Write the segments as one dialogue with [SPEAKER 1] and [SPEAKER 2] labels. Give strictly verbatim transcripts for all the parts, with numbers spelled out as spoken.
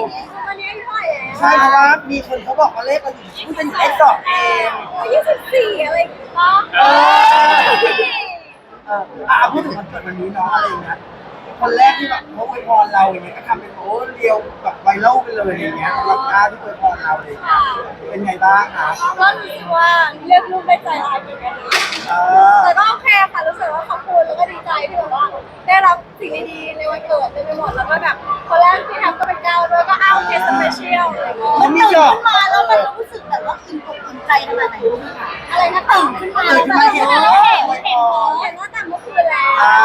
[SPEAKER 1] ตอนนี้อายุเท่าไหร่แล้ว
[SPEAKER 2] ใช่เพราะว่ามีคนเขาบอกว่าเลขเราอยู่ที่เป็นเลขดอกเอง
[SPEAKER 1] อายุสิบสี่อะไรอย่างเงี้ยป่ะ
[SPEAKER 2] เออเอออ่ะพูดถึงวันเกิดวันนี้เนาะอะไรอย่างเงี้ยคนแรกที่แบบเขาอวยพรเราอย่างเงี้ยก็ทำเป็นโอ้เรียวแบบไวรัลไปเลยอย่างเงี้ยสำหรับหน้าที่อวยพรเราเลยเป็นไงบ้างคะ
[SPEAKER 1] ก็รู้สึกว่าเลือกลูกได้ใจร้ายเหมือนกันนะ
[SPEAKER 2] เออ
[SPEAKER 1] แต่ก็โอเคค่ะรู้สึกว่าขอบคุณแล้วก็ดีใจที่แบบว่าได้รับสิ่งดีๆในวันเกิดเต็มไปหมดแล้วก็แบบคนแรกที่ทำก็เป็นก้าวด้วยก็อ้าวเคสสเปเชียลอะไรเงี้ย
[SPEAKER 2] มันมีหยอก
[SPEAKER 1] ขึ้นมาแล้วมันรู้สึกแบบว่าอิ่มอกอิ่มใจขนาดไหนอะไรนะตื่นขึ้นมาแล้วแบบเห็นเห็นเห็นว่าแต่เมื่อคืนแล้ว
[SPEAKER 2] อ่า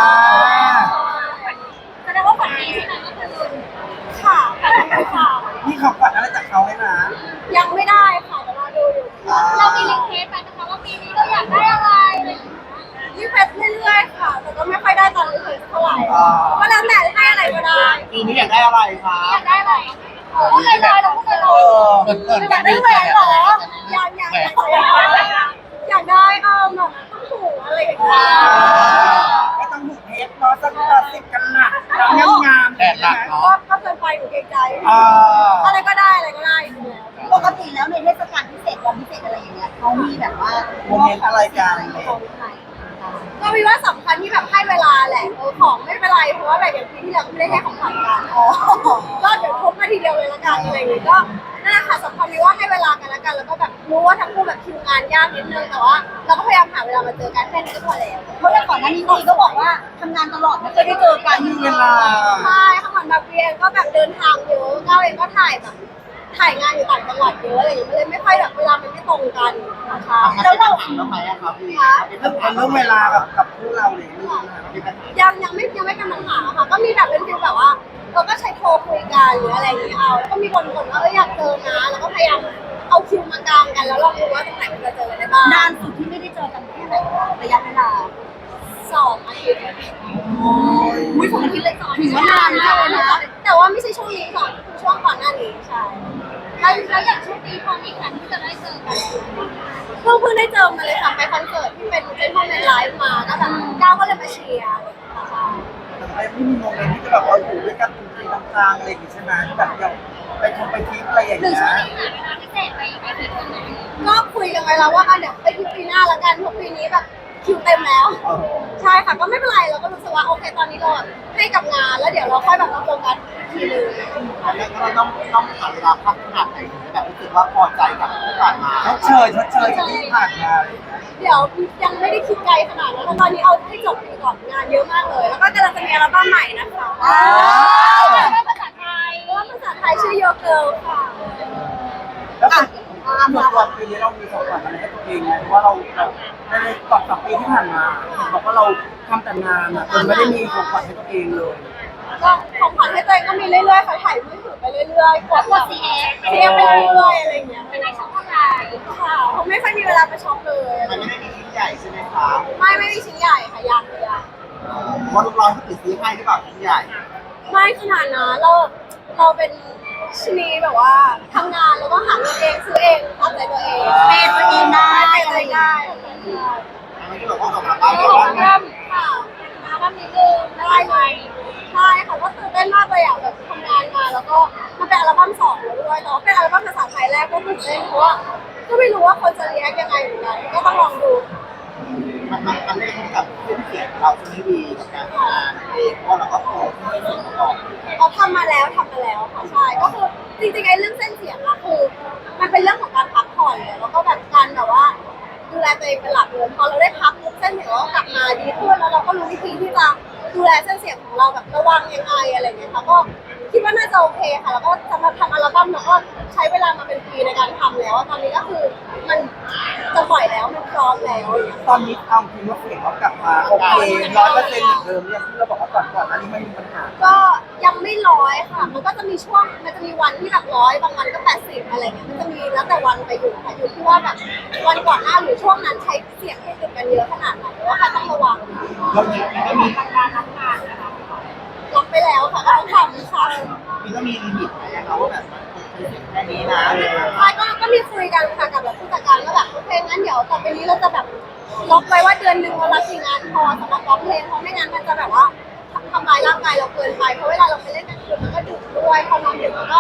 [SPEAKER 1] แสดงว่าฝันดีใช่ไหมเมื่อคืนค่ะฝันดีค่ะ
[SPEAKER 2] มีของขวัญอะไรจากเขาไหมนะ
[SPEAKER 1] ยังไม่ได้ค่ะเดี๋ยวรอดูอยู่เรามีรีเควสไปนะคะว่าปีนี้เราอยากได้อะไรอะไรอย่างเงี้ยรีเควสเรื่อยๆค่ะแต่ก็ไม่ค่อยได้ตามรีเควสเท่าไหร่ก็แล้วแต่ให้อะไรก็ได้
[SPEAKER 2] ปีนี้อยากได้อะไรคะ
[SPEAKER 1] อยากได้อะไรโอ้ยลอยๆเราพูดลอยๆอยากได้แหวนเหรออยากอยากอยากอยากได้เออแบบต้องหูอะไรอย่างเงี้ย
[SPEAKER 2] ไม่ต้องหูเพชรเนาะสักสิบกันหนักงามงามแต่หนักเนาะ
[SPEAKER 1] ก็ก็เกินไปหนูเกรงใจอะไรก็ได้อะไรก็ได้
[SPEAKER 3] ปกติแล้วในเทศกาลพิเศษวันพิเศษอะไรอย่างเงี้ยเขามีแบบว่า
[SPEAKER 2] โมเมนต์อะไรกันอะไรเงี้ย
[SPEAKER 1] ก็มีว่าสำคัญที่แบบให้เวลาแหละเออของไม่เป็นไรเพราะว่าแบบอย่างปีที่แล้วไม่ได้ให้ของขวัญกันก็เดี๋ยวพบมาทีเดียวเลยละกันอะไรอย่างเงี้ยก็นั่นแหละค่ะสำคัญที่ว่าให้เวลากันละกันแล้วก็แบบรู้ว่าทั้งคู่แบบคิวงานยากนิดนึงแต่ว่าเราก็พยายามหาเวลามาเจอกันแค่นี้ก็พอแล้ว
[SPEAKER 3] เพราะว่าก่อนหน้านี้ทีก็บอกว่าทำงานตลอดไม่เคยได้เจอกัน
[SPEAKER 2] มีเวลา
[SPEAKER 1] ใช่ค่ะเหมือนแบบเรียนก็แบบเดินทางเยอะก้าวเองก็ถ่ายแบบถ่ายงานอยู่ต่างจังหวัดเยอะอะไรอย่างเงี้ยเลยไม่ค่อยแบบเวลามันไม่ตรงกันนะคะ
[SPEAKER 2] แล้วเราทำไมอะครับพี่เรื่องเรื่องเวลากับกับคู่เราเลย
[SPEAKER 1] ยังยังไม่ยังไม่เป็นปัญหาค่ะก็มีแบบเป็นฟิลแบบว่าเราก็ใช้โทรคุยกันหรืออะไรอย่างเงี้ยเอาแล้วก็มีคนบ่นว่าเอออยากเจอนะแล้วก็พยายามเอาคิวมากางกันแล้วลองดูว่าตรงไหนมันจะเจอกันได้บ้าง
[SPEAKER 3] นานสุดที่ไม่ได้เจอกันแค่ไหนระยะเวลา
[SPEAKER 1] สองอาทิตย์
[SPEAKER 3] อุ้ยสองอาทิตย์เลยถือว่านานมากเลยนะ
[SPEAKER 1] แต่ว่าไม่ใช่ช่วงนี้ก่อนช่วงก่อนหน้านี้ใช่
[SPEAKER 3] แล้วแล้วอย่างช่วงนี้พอมีแผนที่จะได้เจอกัน
[SPEAKER 1] เพิ่งเพิ่งได้เจอมาเลยค่ะไปคอนเสิร์ตที่เป็นเจนพ่อในไลฟ์มาก็แบบก้าวก็เลยมาเชียร์ค่ะ
[SPEAKER 2] แต่ไม่มีโมเมนต์ที่จะแบบว่าอยู่ด้วยกันจริงๆกลางๆอะไรอย่างงี้ใช่ไหมแบบอย่างไปทำไปทิปอะไรอย่างเงี้ย
[SPEAKER 3] พิเศษไปไปทิปกันไหน
[SPEAKER 1] ก็คุยกันไว้แล้วว่าเดี๋ยวไปที่ปีหน้าแล้วกันเพราะปีนี้แบบคิวเต็มแล้วใช่ค่ะก็ไม่เป็นไรเราก็รู้สึกว่าโอเคตอนนี้เราให้กับงานแล้วเดี๋ยวเราค่อยแบบมาโฟกัสทีนึง
[SPEAKER 2] แล้วก็ต้องต้องหาเวลาพักขนาดไหนแบบรู้สึกว่าพอใจกับที่ผ่านมาชดเชยชดเชยกับที่ผ่านมา
[SPEAKER 1] เดี๋ยวยังไม่ได้คิดไกลขนาดนั้นตอนนี้เอาให้จบปีก่อนงานเยอะมากเลยแล้วก็กำลังจะมีอัลบั้มใหม่นะคะอัลบั้มภาษาไทยอัลบั้มภาษาไทยชื่อโยเกิลค่ะ
[SPEAKER 2] แล้วส่วนตัวปีนี้เรามีของขวัญอะไรให้ตัวเองไหมเพราะว่าเราแบบในก่อนสองปีที่ผ่านมาบอกว่าเราทำแต่งานอ่ะจนไม่ได้มีของขวัญให้ตัวเองเลย
[SPEAKER 1] ก็ของขวัญให้ตัวเองก็มีเรื่อยๆค่ะถ่ายมือถือไปเรื่อยๆกดกดซีเอฟซีเอฟไปเรื่อยๆอะไรอย่างเงี้ย
[SPEAKER 3] ไม่ได้ช็อปอะไร
[SPEAKER 1] ค่ะผมไม่ค่อยมีเวลาไปช็อปเลย
[SPEAKER 2] มันไม่ได้มีชิ้นใหญ่ใช่ไหมคะ
[SPEAKER 1] ไม่ไม่มีชิ้นใหญ่ค่ะยังเลยอะ
[SPEAKER 2] ว่าลูกร้อนที่ติดซื้อให้หรือเปล่าชิ้นใหญ่
[SPEAKER 1] ไม่ขนาดนั้นเราเราเป็นชนีแบบว่าทำงานแล้วก็หาเงินเองซื้อเองตามใจตัวเอง
[SPEAKER 3] เป็นตัวเองได้
[SPEAKER 1] เป็นตัวเองได้
[SPEAKER 2] ไม่ได้บอกว่าออกมาบ้าน
[SPEAKER 1] เราบ้านค่ะมาบ้านนิดนึงได้ไหมใช่ค่ะก็ตื่นเต้นมากเลยอ่ะแบบทำงานมาแล้วก็มันเป็นอัลบั้มสองแล้วด้วยแต่ว่าเป็นอัลบั้มภาษาไทยแรกก็ตื่นเต้นเพราะว่าก็ไม่รู้ว่าคนจะเรียกยังไงเหมือนกันก็ต้องลองดู
[SPEAKER 2] มันมันมันได้กับเพื่อนเสียงเราจะไม่ดีกับการทำงานเองเพราะเราก็โตขึ้นในส่วนประกอบ
[SPEAKER 1] เราทำมาแล้วทำมาแล้วค่ะใช่ก็คือจริงๆไอ้เรื่องเส้นเสียงอะคือมันเป็นเรื่องของการพักผ่อนเลยแล้วก็แบบการแบบว่าดูแลตัวเองเป็นหลักเลยพอเราได้พักเส้นเสียงเราก็กลับมาดีขึ้นแล้วเราก็รู้วิธีที่จะดูแลเส้นเสียงของเราแบบระวังยังไงอะไรเงี้ยค่ะก็คิดว่าน่าจะโอเคค่ะแล้วก็สำหรับทำอัลบั้มเราก็ใช้เวลามาเป็นปีในการทำแล้วตอนนี้ก็คือมันจะปล่อยแล้วมันพร้อมแล้ว
[SPEAKER 2] ตอนนี้เอาจริงว่าเสียงเรากลับมาโอเคร้อยเปอร์เซ็นต์เหมือนเดิมอย่างที่เราบอกว่าก่อนก่อนอันนี้ไม่มีปัญหา
[SPEAKER 1] ก็ยังไม่ร้อยค่ะมันก็จะมีช่วงมันจะมีวันที่แบบร้อยบางวันก็แปดสิบอะไรเงี้ยมันจะมีแล้วแต่วันไปอยู่ค่ะอยู่ที่ว่าแบบวันก่อนหน้าหรือช่วงนั้นใช้เสียงให้ติดกันเยอะขนาดไหนหรือว่าใครต้องระวัง
[SPEAKER 2] เรามีก็มี
[SPEAKER 1] ทำงานทำงานนะคะรับไปแล้วค่ะก็ต้องทำค่ะ
[SPEAKER 2] มีก็มีลิมิตไหมคะว่าแบบแค่นี้นะ
[SPEAKER 1] ใช่ก็ก็มีคุยกันค่ะกับแบบผู้จัดการว่าแบบโอเคงั้นเดี๋ยวต่อไปนี้เราจะแบบล็อกไว้ว่าเดือนหนึ่งเรารับกี่งานพอสำหรับร้องเพลงเพราะไม่งั้นมันจะแบบว่าทำลายร่างกายเราเกินไปเพราะเวลาเราไปเล่นกลางคืนมันก็ดึกด้วยพอนอนดึกมันก็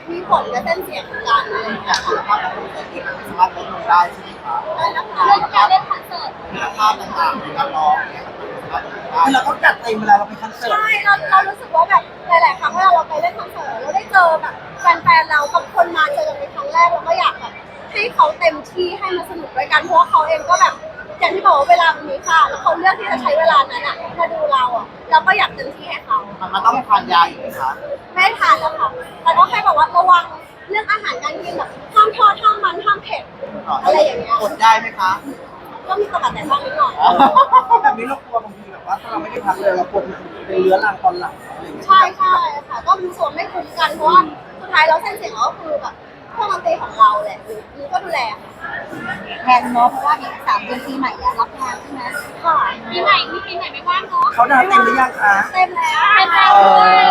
[SPEAKER 1] มีผลกับเส้นเสียงเหมือนกันอะไรอย่างเงี้ย
[SPEAKER 2] คุณภาพของคอนเสิร์ตที่มันไม่สามารถลดลงได้ใช่ไหมคะ
[SPEAKER 1] ได้นะคะเรื่องการเล่นคอนเสิร์ต
[SPEAKER 2] คุณภาพต่างๆในการร้องเนี่ยมันสามารถลดลงได้คือเราต้องจัดเต็มเวลาเราไปคอนเสิร์ต
[SPEAKER 1] ใช่เราเรารู้สึกว่าแบบหลาย ๆ ครั้งเวลาเราไปเล่นคอนเสิร์ตเราได้เจอแบบแฟน ๆ เราบางคนมาเจอกันเป็นครั้งแรกเราก็อยากแบบให้เขาเต็มที่ให้มันสนุกด้วยกันเพราะว่าเขาเองก็แบบอย่างที่บอกว่าเวลามันมีค่าแล้วเขาเลือกที่จะใช้เวลานั้นอ่ะมาดูเราอ่ะเราก็อยากเต็มที่ให้เขา
[SPEAKER 2] มันมันต้องทานยาอยู่ไหมคะ
[SPEAKER 1] ไม่ทานแล้วค่ะแต่ก็แค่แบบว่าระวังเรื่องอาหารการกินแบบห้ามทอดห้ามมันห้ามเผ็ดอะไรอย่างเงี้ย
[SPEAKER 2] อดได้ไหมคะ
[SPEAKER 1] ก็มีตะบัดแต่บ้างนิดหน่อย
[SPEAKER 2] แบบนี้เรากลัวบางทีแบบว่าถ้าเราไม่ได้พักเลยเราปวดเป็นเรื้อรังตอนหลังอะไรอย่างเงี้ย
[SPEAKER 1] ใช่ใช่ค่ะก็มีส่วนไม่คุ้มกันเพราะว่าสุดท้ายแล้วเส้นเสียงเราก็คือแบบเครื่องดนตรีของเราแหละคือก็ดูแลค่ะ
[SPEAKER 3] แทนเนาะเพราะว่าอีกสามเดือนปีใหม่แล้วรับงานใช่ไหม
[SPEAKER 1] ค่ะปีใหม่มีปีใหม่ไม่ว่างเนาะ
[SPEAKER 2] เขาดาวเต็มหรือยังคะ
[SPEAKER 1] เต็มแล้วเต็ม
[SPEAKER 2] เอ
[SPEAKER 1] แล้ว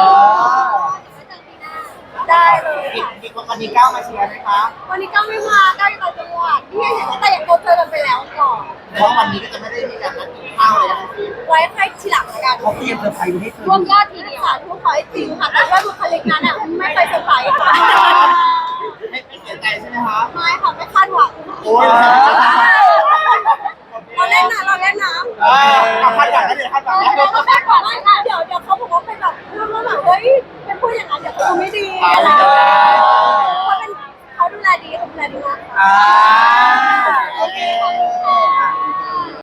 [SPEAKER 2] อ
[SPEAKER 1] ได้เลยค่ะ
[SPEAKER 2] อีกวันนี้ก้าวมาเชียร์ไหมคะ
[SPEAKER 1] วันนี้ก็ไม่มาก็อยู่ต่างจังหวัดที่เห็นแต่อย่างโคเจอกันไปแล้วก่อน
[SPEAKER 2] เพราะวันนี้ก็จะไม่ได้มีการนัดกินข้าวเลยนะคะ
[SPEAKER 1] ไว้ให้ทีหลังละกัน
[SPEAKER 2] เขาเตรียมเซอร์ไพรส์ไว้ให้เธอ
[SPEAKER 1] รวมยอดทีเดียวค่ะทุกขอให้จริงค่ะแต่ว่าบุคลิกนั้นอ่ะไม่เคยเซอร์ไพรส์ค่ะ
[SPEAKER 2] ไม่ไม่เสียใจใช่ไหมคะ
[SPEAKER 1] ไม่ค่ะไม่คาดหวัง
[SPEAKER 2] โอ้ย
[SPEAKER 1] เราเล่นนะเราเล่นนะ
[SPEAKER 2] เออคาดหวังได้เลยคาดหวังได้
[SPEAKER 1] เราก็คาดหวังไม่ค่ะเดี๋ยวเดี๋ยวเขาบอกว่าเป็นแบบเรื่องว่าแบบเฮ้ยเป็นพูดอย่างนั้นเดี๋ยวเขาไม่ดีอะไร